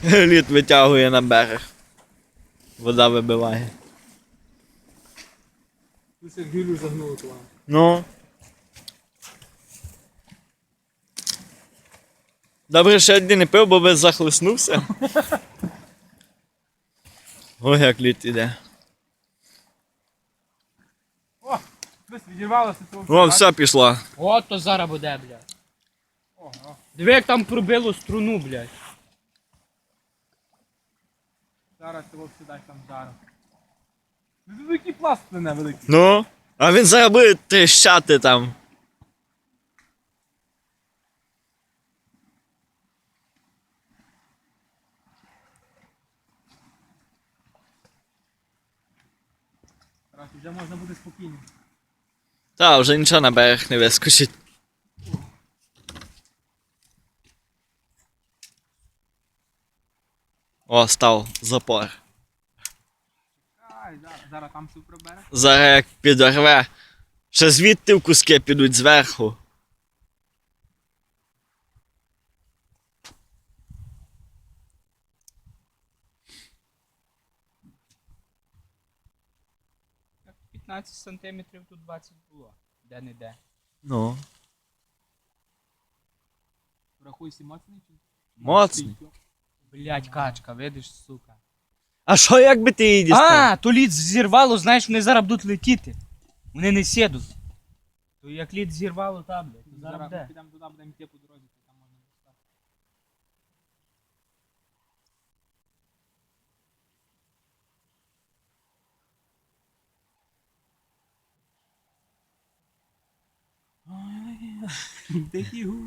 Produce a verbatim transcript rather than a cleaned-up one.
Лід витягує на берег. Вода вибиває. Тут як гілю загнуло туди. Ну. Добре, що я не пив, бо би захлиснувся. Ой, як лід іде. О, десь відірвалося того. О, все пішло. От то зараз буде, блядь. Ого. Диви, як там пробило струну, блядь. Зараз того всі там зараз. Ну, великий пласт мене великий. Ну, а він зараз буде тріщати там. Зараз вже можна буде спокійно. Та, вже нічого на берег не вискочить. О, став запор. Ай, зараз, зараз там все пробере. Зараз як підорве. Ще звідти в куски підуть зверху. п'ятнадцять сантиметрів, тут двадцять було. Де-не-де. Ну. Рахуй сі моцний чи? Моцний. Блядь, качка, видиш, сука. А що якби ти її дістав? А, то лід зірвало, знаєш, вони зараз будуть летіти. Вони не сідуть. То як лід зірвало, та, блядь, то зараз Зараз де? підемо туди, будемо йти по дорозі, то там можна достати. Тихий гу.